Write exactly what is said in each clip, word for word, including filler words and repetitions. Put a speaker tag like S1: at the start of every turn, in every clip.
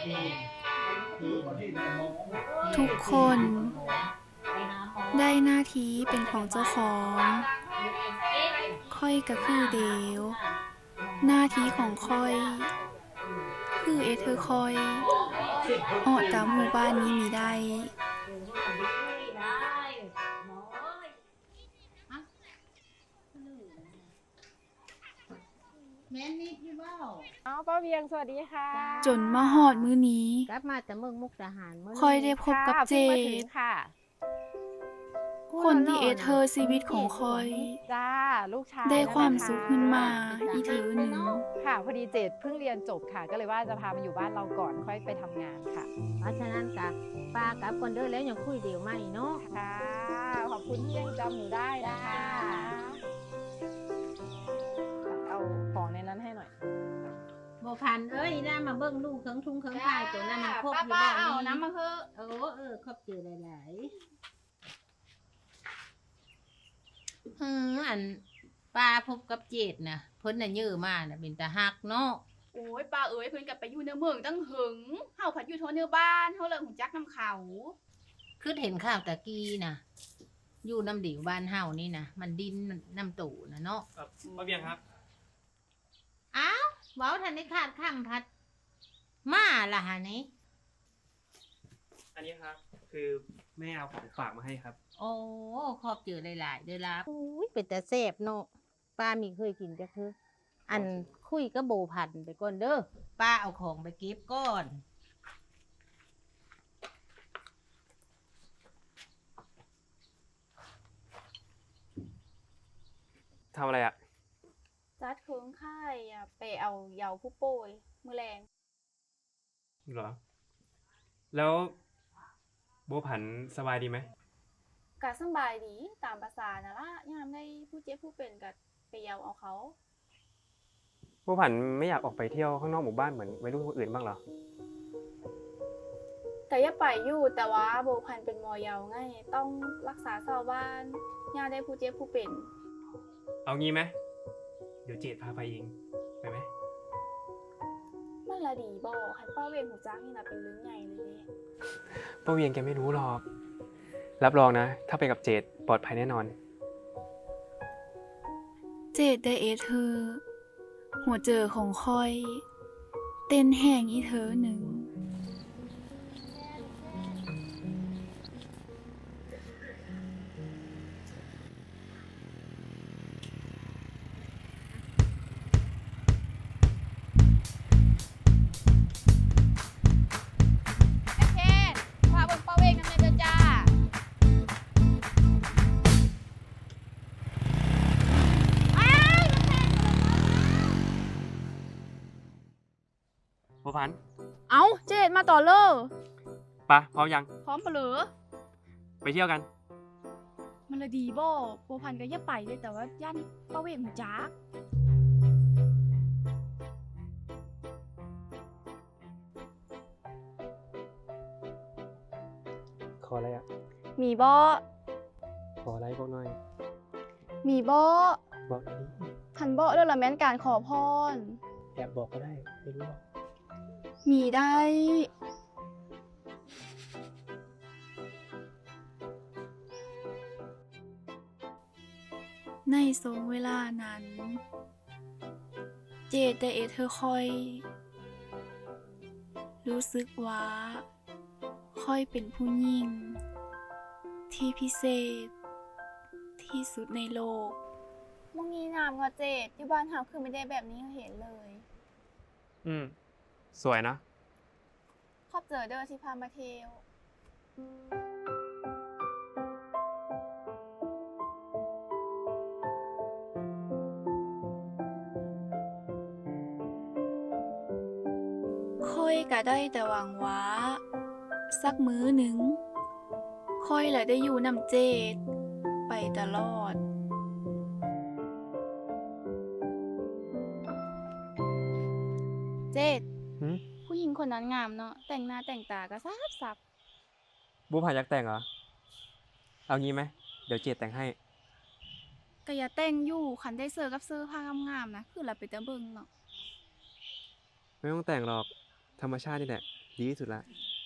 S1: ทุกคนได้หน้าที่เป็นของเจ้าของ ค่อยก็คือเดวหน้าที่ของค่อย คือเอเธอร์คอยออกตามหมู่บ้านนี้มีได้
S2: แม่นิดอยู่เปล่า
S3: อ๋อป้าเวียงสวัสดีค่ะ
S1: จนมาฮอดมื้อนี้
S2: กลับมาจากเมืองมุกดาหารเมื่อ
S1: ค่อยได้พบกับเจ
S3: ด
S1: ด
S3: ค่ะ
S1: คนที่เอเธอร์ชีวิตของค่อย
S3: จ้าลูกชาย
S1: ได้ความสุขขึ้นมาอีเธอหนึ่ง
S3: ค่ะพอดีเจดเพิ่งเรียนจบค่ะก็เลยว่าจะพามาอยู่บ้านเราก่อนค่อยไปทำงานค่ะ
S2: เพราะฉะนั้นกะป้ากับคนเดินแล้วยังคุยเดียวไม่เนาะ
S3: ค่ะขอบคุณที่ยังจำหนูได้นะคะเอาของในนั้นให้หน่อย
S2: โบพันเอ้ยน่ามาเบิ้งลูกเครื่องทุ่งเครื่องพายตัวนั้นมันครบอยู่บ้านนี้
S3: น้ำมาเพิ่ม
S2: เออเออครบเจอหลายๆเอออันป้าพบกับเจดนะเพิ่นน่ะเยอะมากนะเป็นตาฮักเนาะ
S4: โอ้ยป้าเอ๋ยเพิ่นกลับไปอยู่ในเมืองตั้งหึงเฮาผัดอยู่โทเนื้อบ้านเฮาเลยหุ่นจักน้ำเขา
S2: คือเห็นข่าวตะกี้นะอยู่น้ำดิวบ้านเฮานี่นะมันดินน้ำตู่นะเนาะ
S5: ป้าเบียงครับ
S2: อ้าวเว้าทันได้ขาดข้ามพัดมาล่ะฮะนี่
S5: อันนี้ครับคือแม่เอาของฝากมาให้ครับ
S2: โอ้ขอบเจอหลายๆเด้อล่ะอุ้ยเป็นแต่แซ่บเนาะป้ามีเคยกินจักคืออันคุยก็โบพันไปก่อนเด้อป้าเอาของไปเก็บก่อน
S5: ทำอะไรอ่ะ
S4: จัดเคืองค่ายอ่ะไปเอาเยาผู้ป่วยมื้อแรง
S5: เหรอแล้วโบผันสบายดีไหม
S4: กะสบายดีตามภาษานะล่ะยามได้ผู้เจ็บผู้เป็นกะไปเยาเอาเขา
S5: โบผันไม่อยากออกไปเที่ยวข้างนอกหมู่บ้านเหมือนวัยรุ่นคนอื่นบ้างเหรอ
S4: ก็อย่าไปอยู่แต่ว่าโบพันเป็นหมอเยาไงต้องรักษาชาวบ้านยามได้ผู้เจ็บผู้เป็น
S5: เอางี้ไหมเดี๋ยวเจดพาไปเองไปไหม
S4: มันละดีบ่คันป้าเวงหูจักนี่น่ะเป็นเรื่องใหญ่เลยเด้
S5: ป้าเวียงแกไม่รู้หรอกรับรองนะถ้าไปกับเจดปลอดภัยแน่นอน
S1: เจดได้เอเธอร์หัวเจอของค่อยเต้นแห้งอีเธอหนึ่ง
S5: โบผัน
S4: เอาเจดมาต่อเลอ
S5: ปะพร้อมยัง
S4: พร้อมปะเหรอ
S5: ไปเที่ยวกัน
S4: มันละดีบ่โบพันก็อย่าไปเลยแต่ว่าย่านป้าเวงหูจัก
S5: ขออะไรอ่ะ
S4: มีบ่
S5: ขออะไรบอกหน่อย
S4: มีบ่
S5: บอกนี้
S4: ทันบ่เรื่องละแม่นการขอพร
S5: แอบบอกก็ได้ไม่รู้หรอก
S4: มีได้
S1: ในทรงเวลานั้น เจดได้เอเธอร์ค่อย รู้สึกว่าค่อยเป็นผู้หญิงที่พิเศษที่สุดในโลก
S4: มึงมีน้ำก็เจดอยู่บ้านเฮาคือไม่ได้แบบนี้เห็นเลย
S5: อืมสวยนะ
S4: ขอบเจอเด้อที่พามาเที่ยว
S1: ค่อยก็ได้แต่หวังว่าสักมื้อหนึ่งค่อยแหละได้อยู่นำเจดไปตลอด
S4: เจดผู้หญิงคนนั้นงามเนาะแต่งหน้าแต่งตาก็ซับซับ
S5: บูผ่านยักแต่งเหรอเอางี้ไหมเดี๋ยวเจดแต่งให้
S4: ก็อย่าแต่งอยู่คันได้เสื้อกับเสื้อผ้างามๆนะคือเราไปแต่เบิ่งเนาะ
S5: ไม่ต้องแต่งหรอกธรรมชาตินี่แหละดีที่สุดละ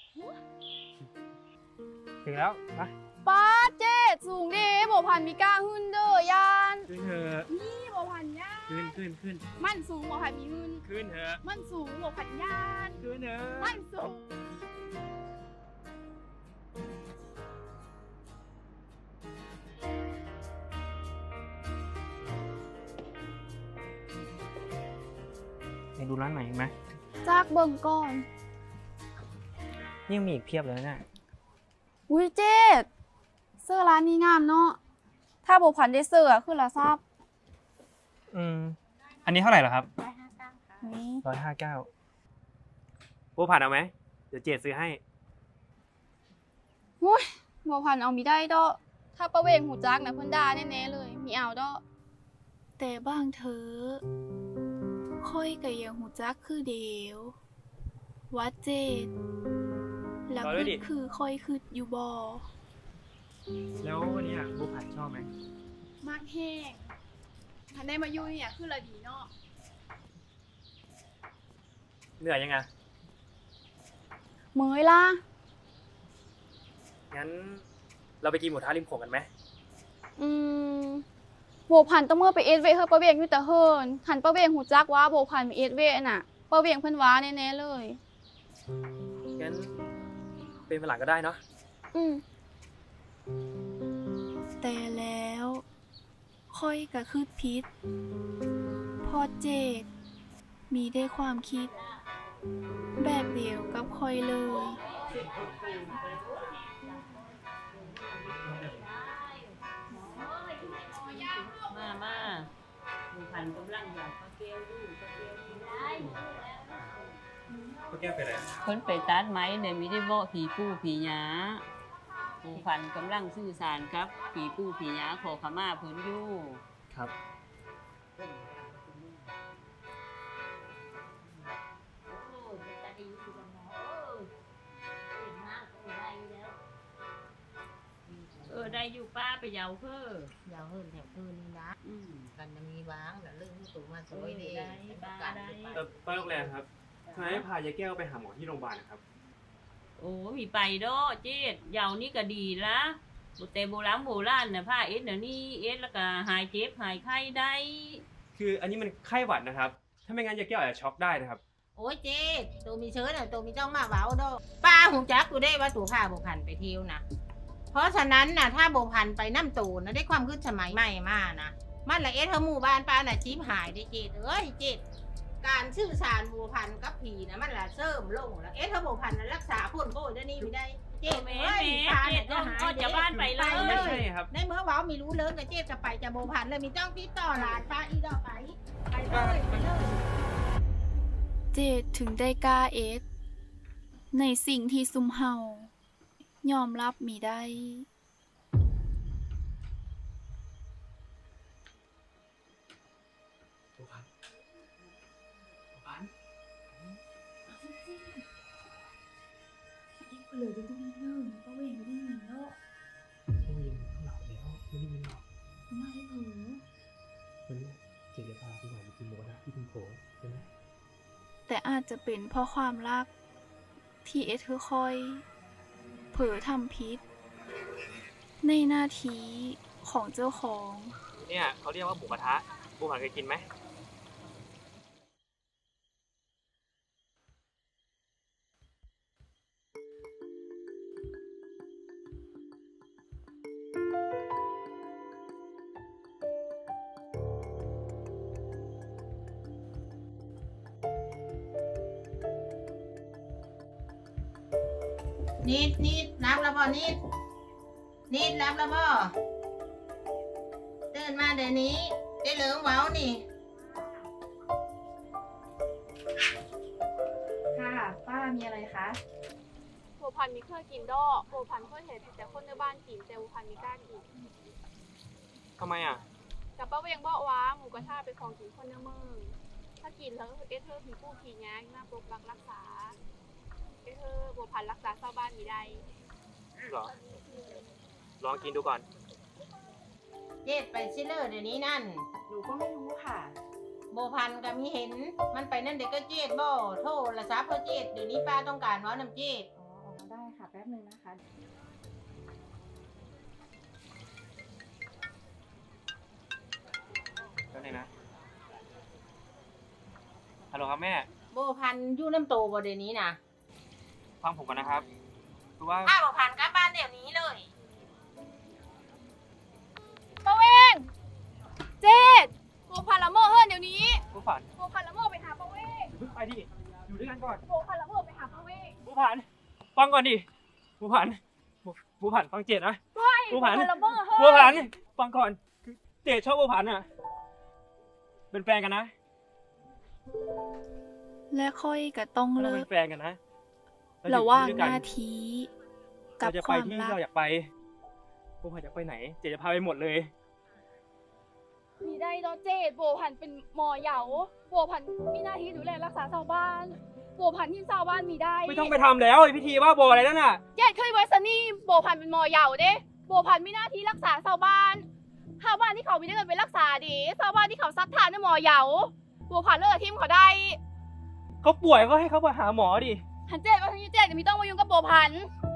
S5: ถึงแล้วไป
S4: ป้าเจ็ดสูงดีโบพันมีกล้าหึ่นเด้อยาน
S5: ขึ้นเถอะ
S4: นี่โบพันย่าน
S5: ขึ้นขึ้นขึ้น
S4: มันสูงโบพันมีหึ่น
S5: ขึ้นเถอะ
S4: มันสูงโบพันย่าน
S5: ขึ้นเถอะ
S4: มันสูง
S5: ไปดูร้านไหนไหม
S4: จากเบิ่งก่อน
S5: ยังมีอีกเพียบเลยนะ
S4: อุ้ยเจ็ดเสื้อร้านนี้งามเนาะถ้าโบพันได้เสื้อคือละทราบ
S5: อืม อันนี้เท่าไหร่เหรอครับ
S4: นี่
S5: ร้อยห้าเก้าโบผ่านเอาไหม เดี๋ยวเจดซื้อให้
S4: อุ้ยโบพันเอามีได้ดอกถ้าประเวงหูจักนะเพิ่นด่าแน่ๆเลยมีเอาดอก
S1: แต่บ้างเธอค่อยก็ยังหูจักคือเดียวว่าเจดแล้ว
S5: รอด้วยดิ
S1: คือค่อยคืออยู่บ่
S5: แล้ววันนี้โบผ่านชอบไหม
S4: มากแห้งทันได้มาอยู่เนี่ยคือละดีเนาะ
S5: เหนื่อยยังไง
S4: เมยล่ะ
S5: งั้นเราไปกินหมูทะริมโขงกันไหม
S4: อืมโบพันต้องเมื่อไปเอสเวเฮอประเวงอยู่แต่เฮิรนหันประเวงหูจักว่าโบพันมีเอสเวน่ะประเวงเพิ่นว้าแน่ๆเลย
S5: งั้นเป็นวันหลังก็ได้เนาะ
S4: อืม
S1: แต่แล้วค่อยก็คือพิษพอเจดมีได้ความคิด แบบเดียวกับค่อยเลย
S2: มามาหมู่พันกำลังอยากปลาเกลียวดูปลาเกลียวดูได้
S5: ก็แก้วไปเลย
S6: เพิ่นไปตัดไม้เนี่ยมีได้เว้าผีปู่ผีหยาหมู่พันกำลังสื่อสารครับผีปู่ผีหยาขอขมาเพิ่นอยู่
S5: ครับ
S6: เออได้อยู่ป้าไปเหยาเพ้อย
S2: าวเฮิรนแถวคืนนี่นะ
S6: อืม
S2: กันจะมีบ้างแล้วเรื่องสูงมาสวยดี
S6: ได้บ้าได้
S5: เออป้าลูกแรมครับทำไมไม่พายายแก้วไปหาหมอที่โรงพยาบาลนะครับ
S6: โอ้มีไปดอเจ็ดเหยานี่ก็ดีละบ่แต่โบราณโบราณน่ะผ้าเอ็ดเดี๋ยวนี้เอ็ดแล้วก็หายเจ็บหายไข้ได้
S5: คืออันนี้มันไข้หวัดนะครับ ถ้าไม่งั้นยายแก้วอาจจะช็อกได้นะครับ
S2: โอ้ยเจ๊ตัวมีเชื้อน่ะตัวมีจ้องมาเว้าดอกป้าหูจักกูได้ว่าตัวข้าโบพันไปเที่ยวนะเพราะฉะนั้นน่ะถ้าโบพันไปน้ำตูนนะได้ความขึ้นสมัยใหม่มานะมันละเอสเธอหมู่บ้านป้าน่ะจิ้มหายได้เจ็ดเอ้ยเจ็ดการชื่อสารโบพันกับผีนะมันละเสริมลงแล้วเอสเธอโบพันน่ะรักษาคนโบยได้นี่ไม่ได้เจ็ด
S6: แม่
S2: เอ้ย
S6: แม่
S2: พา
S6: เจ็
S2: น่ะ
S6: ด
S2: จะหาย
S6: ก็จะบ้านไปเลย
S5: ไม่ใช่ครับ
S2: ในเมื่อเว้ามีรู้เลิศกับเจ็ดจะไปจะโบพันเลยมีจ้องติดต่อหลานป้าอีดอกไปไปเลยไปเลย
S1: เจดถึงได้กล้าเอสในสิ่งที่ซุมเฮายอมรับมีได้
S5: โบพันโบพัน
S1: เหลือจะต้องเนิ่งป้าเวงไม่ได้ยินแล้ว
S5: ไม่ยินหลับแล้วไม่ได้ยินหรอก
S1: ไม่เผลอ
S5: วันนี้เจดจะพาพี่หน่อยไปกินหมูกระทะที่พิมโขงใช่ไหม
S1: แต่อาจจะเป็นเพราะความรัก ที่เอสค่อยๆเผลอทำพิษ ในหน้าที่ของเจ้าของ
S5: เนี่ยเขาเรียกว่าหมูกระทะโบผ่านเคยกินไหม
S2: นิดนิดรับแล้วบ่นิดนิดรับแล้วบ่ตื่นมาเดี๋ยวนี้ได้เหลืองเว้านี่
S4: ค่ะป้ามีอะไรคะโบพันมีเคยกินดอกโบพันเคยเห็นแต่คนในบ้านกินแต่โบพันมีกล้ากิน
S5: ทำไมอ่ะ
S4: แต่ป้าเวงบอกว่าหมูกระทะเป็นของกินคนในเมืองถ้ากินแล้วเอสเธอร์ผีผู้ผีแง่หน้าปกปักรักษาเอสเธอร์โบพันรักษาชาวบ้านมีได้
S5: เหรอ ลองกินดูก่อน
S2: เจ็ดไปชิเลอร์เดี๋ยวนี้นั่น
S3: หนูก็ไม่รู้ค่ะ
S2: โบพันก็มีเห็นมันไปนั่นเด็กก็เจ็ดบ่โทรศัพท์เพื่อเจ็ดเดี๋ยวนี้ป้าต้องการเว่าน้ำเจ็ด
S3: อ๋อได้ค่ะแป๊บนึงนะคะ
S5: ก็เลยนะฮัลโหลครับแม่
S2: โบพันอยู่น้ำโตบ่เดี๋ยวนี้นะ
S5: ฟังผมก่อนนะครับคือว่า
S2: ป้าโบพันกลับบ้านเดี๋ยวนี้เลย
S4: ป้าเวงเจ็ดบัวพันละเมอเฮิรนเดี๋ยวนี้
S5: ผู้ผ่าน
S4: บัวพันละเมอไปหาป้าเวง
S5: เพิ่งไปดิอยู่ด้วยกันก่อน
S4: บัวพันละเมอไปหาป้าเวง
S5: ผู้ผ่านฟังก่อนดิผู้ผ่านผู้ผู้ผ่านฟังเจดนะ
S4: ไม่
S5: บั
S4: บั
S5: ว
S4: ว
S5: พั
S4: พั
S5: น
S4: นละเมอเฮิรน
S5: ผู้ผ่านฟังก่อนคือเจดชอบผู้ผ่านอ่ะเป็นแฟนกันนะ
S1: และค่อยก็ต้อง
S5: เรา
S1: เลิ
S5: เป็
S1: ก
S5: นแฟนกันนะเอ
S1: ระหว่าง
S5: อยู่
S1: ห
S5: ด้วยกั
S1: น้าที่กับ
S5: เราจะ
S1: ค
S5: ไป
S1: วาม
S5: ที่
S1: รัก
S5: เราอยากไปผู้ผ่านอยากไปไหน เจดจะพาไปหมดเลย
S4: มีได้ดอเจ็ดบัวพันเป็นหมอเหยาบัวพันมีหน้าที่ดูแลรักษาชาวบ้านบัวพันที่ชาวบ้านมีได้
S5: ไม่ต้องไปทำแล้วไอ้พิธีว่าโบอะไรนั่นน่ะ
S4: เจ็ดเคยไว้ซันนี่บัวพันเป็นหมอเหยาเด้บัวพันมีหน้าที่รักษาชาวบ้านชาวบ้านที่เขามีได้เงินไปรักษาดีชาวบ้านที่เขาซัดทานในหมอเหยาบัวพันเลิกกับทีมเขาได้
S5: เขาป่วยก็ให้เขาไปหาหมอดิ
S4: หันเจ็ดว่าทันยี่เจ็ดมีต้องมายุ่งกับบัวพัน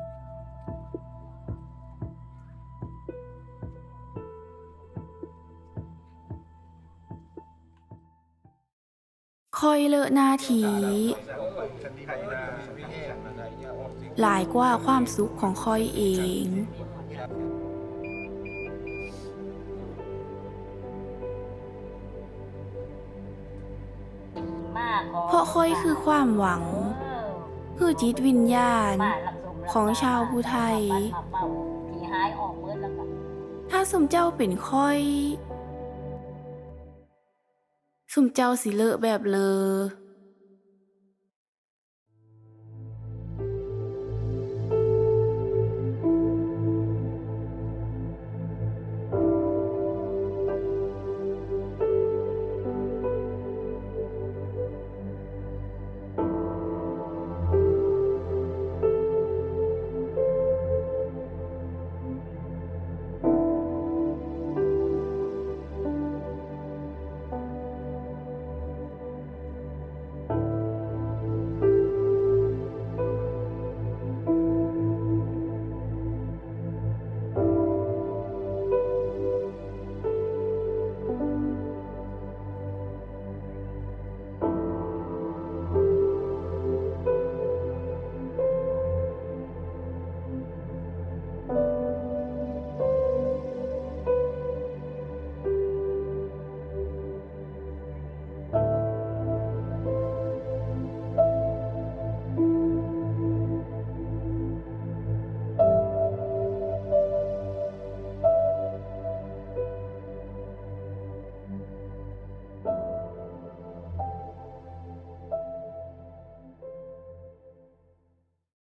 S1: ค่อยเลิกหน้าทีหลายกว่าความสุขของค่อยเอง เพราะค่อยคือความหวัง คือจิตวิญญาณของชาวผู้ไทย ถ้าสมเจ้าเป็นค่อย สมเจ้าสิเลอะแบบเลอ